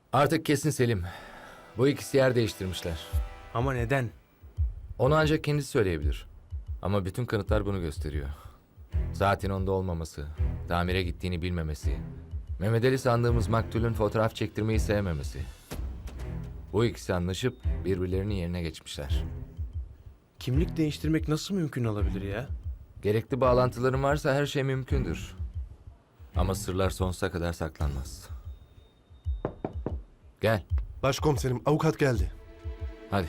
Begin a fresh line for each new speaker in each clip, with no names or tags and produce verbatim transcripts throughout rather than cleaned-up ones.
Artık kesin Selim. Bu ikisi yer değiştirmişler.
Ama neden?
Onu ancak kendisi söyleyebilir. Ama bütün kanıtlar bunu gösteriyor. Saatin onda olmaması, tamire gittiğini bilmemesi, Mehmet Ali sandığımız maktulün fotoğraf çektirmeyi sevmemesi. Bu ikisi anlaşıp birbirlerinin yerine geçmişler.
Kimlik değiştirmek nasıl mümkün olabilir ya?
Gerekli bağlantıların varsa her şey mümkündür. Ama sırlar sonsuza kadar saklanmaz. Gel,
Başkomiserim, avukat geldi.
hadi.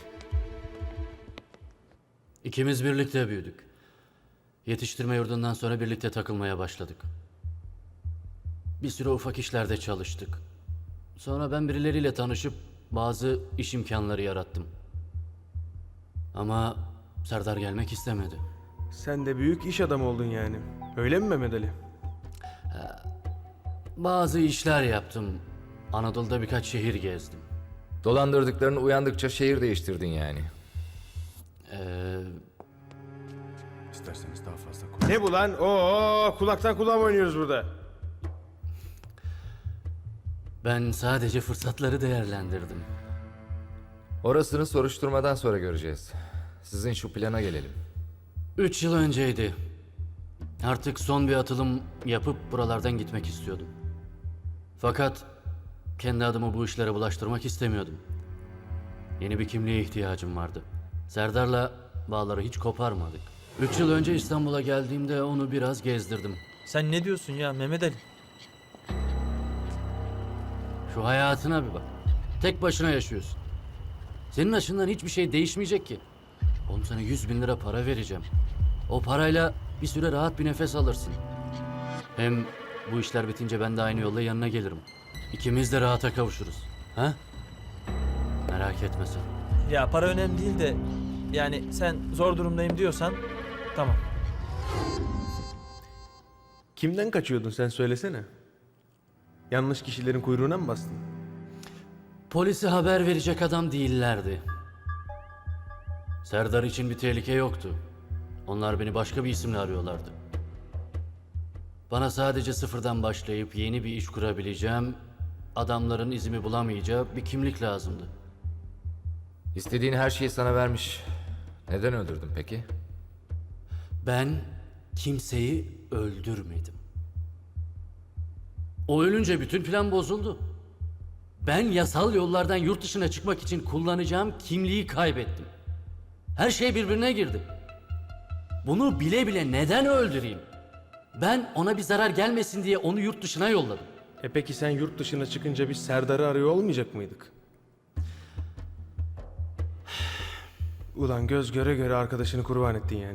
İkimiz birlikte büyüdük. Yetiştirme yurdundan sonra birlikte takılmaya başladık. Bir süre ufak işlerde çalıştık. Sonra ben birileriyle tanışıp bazı iş imkanları yarattım. Ama Serdar gelmek istemedi.
Sen de büyük iş adamı oldun yani. Öyle mi Mehmet Ali?
Bazı işler yaptım. Anadolu'da birkaç şehir gezdim.
Dolandırdıklarını uyandıkça şehir değiştirdin yani.
Ee,
İsterseniz daha fazla konuş.
Ne bu lan? Oo, kulaktan kulağa mı oynuyoruz burada?
ben sadece fırsatları değerlendirdim.
Orasını soruşturmadan sonra göreceğiz. Sizin şu plana gelelim.
Üç yıl önceydi. Artık son bir atılım yapıp buralardan gitmek istiyordum. Fakat kendi adımı bu işlere bulaştırmak istemiyordum. Yeni bir kimliğe ihtiyacım vardı. Serdar'la bağları hiç koparmadık. Üç yıl önce İstanbul'a geldiğimde onu biraz gezdirdim.
Sen ne diyorsun ya Mehmet Ali?
Şu hayatına bir bak. Tek başına yaşıyorsun. Senin açından hiçbir şey değişmeyecek ki. Oğlum sana yüz bin lira para vereceğim. O parayla bir süre rahat bir nefes alırsın. Hem bu işler bitince ben de aynı yolla yanına gelirim. İkimiz de rahata kavuşuruz. Ha? Merak etme sen.
Ya para önemli değil de yani sen zor durumdayım diyorsan tamam.
Kimden kaçıyordun sen söylesene. Yanlış kişilerin kuyruğuna mı bastın?
Polise haber verecek adam değillerdi. Serdar için bir tehlike yoktu. Onlar beni başka bir isimle arıyorlardı. Bana sadece sıfırdan başlayıp yeni bir iş kurabileceğim, adamların izimi bulamayacağı bir kimlik lazımdı.
İstediğin her şeyi sana vermiş. Neden öldürdün peki?
Ben kimseyi öldürmedim. O ölünce bütün plan bozuldu. Ben yasal yollardan yurt dışına çıkmak için kullanacağım kimliği kaybettim. Her şey birbirine girdi. Bunu bile bile neden öldüreyim? Ben ona bir zarar gelmesin diye onu yurt dışına yolladım.
E peki sen yurt dışına çıkınca biz Serdar'ı arıyor olmayacak mıydık? Ulan göz göre göre arkadaşını kurban ettin yani.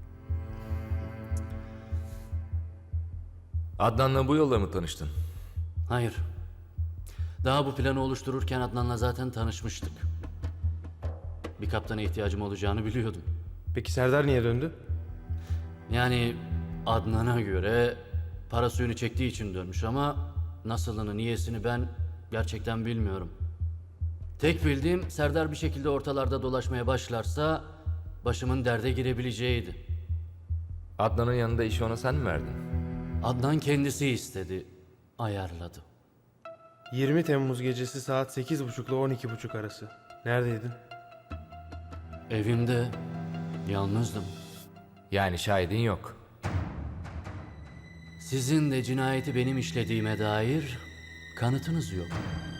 Adnan'la bu yolla mı tanıştın?
Hayır. Daha bu planı oluştururken Adnan'la zaten tanışmıştık. Bir kaptana ihtiyacım olacağını biliyordum.
Peki Serdar niye döndü?
Yani Adnan'a göre para suyunu çektiği için dönmüş ama nasılını, niyesini ben gerçekten bilmiyorum. Tek bildiğim Serdar bir şekilde ortalarda dolaşmaya başlarsa başımın derde girebileceğiydi.
Adnan'ın yanında işi ona sen mi verdin?
Adnan kendisi istedi, ayarladı.
yirmi Temmuz gecesi saat sekiz buçuk ile on iki buçuk arası. Neredeydin?
Evimde yalnızdım.
Yani şahidin yok.
Sizin de cinayeti benim işlediğime dair kanıtınız yok.